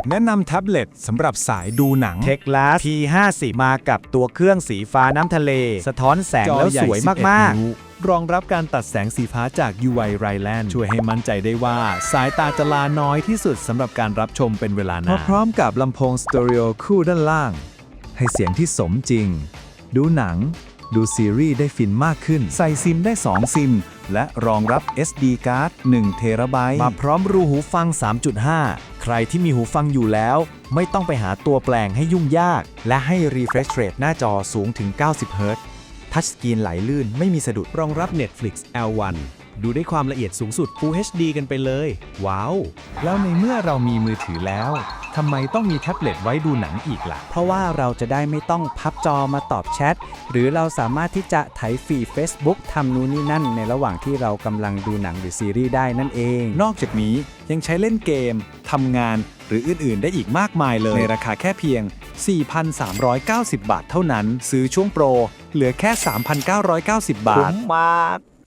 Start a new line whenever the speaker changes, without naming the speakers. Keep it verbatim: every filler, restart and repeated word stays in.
แนะนำแท็บเล็ตสำหรับสายดูหนัง
Techlas พี ห้าสิบ มากับตัวเครื่องสีฟ้าน้ำทะเล สะท้อนแสงแล้วสวยมากๆ
รองรับการตัดแสงสีฟ้าจาก ยู ไว Rayland ช่วยให้มั่นใจได้ว่าสายตาจะลาน้อยที่สุดสำหรับการรับชมเป็นเวลานานพร้อมกับลำโพงสเตอริโอคู่ด้านล่าง ให้เสียงที่สมจริง ดูหนัง ดูซีรีส์ได้ฟินมากขึ้น ใส่ซิมได้ สอง ซิม และรองรับ เอส ดี การ์ด หนึ่ง เทราไบต์
มาพร้อมรูหูฟัง สามจุดห้า ใครที่มีหูฟังอยู่แล้ว ไม่ต้องไปหาตัวแปลงให้ยุ่งยาก และให้ refresh rate หน้าจอสูงถึง เก้าสิบ เฮิร์ตซ์ ทัชสกรีนไหลลื่นไม่มีสะดุด
รองรับ Netflix แอล วัน ดูได้ความละเอียดสูงสุด Full เอช ดี กันไปเลย ว้าว แล้วในเมื่อเรามีมือถือแล้วทำไมต้องมีแท็บเล็ตไว้ดูหนังอีกล่ะ
เพราะว่าเราจะได้ไม่ต้องพับจอมาตอบแชท หรือเราสามารถที่จะไถฟีด Facebook ทำนู่นนี่นั่นในระหว่างที่เรากำลังดูหนังหรือซีรีส์ได้นั่นเอง
นอกจากนี้ยังใช้เล่นเกม ทำงาน หรืออื่น ๆ ได้อีกมากมายเลย ในราคาแค่เพียง สี่พันสามร้อยเก้าสิบ บาทเท่านั้น ซื้อช่วงโปร เหลือแค่ สามพันเก้าร้อยเก้าสิบ บาท
คุ้มมาก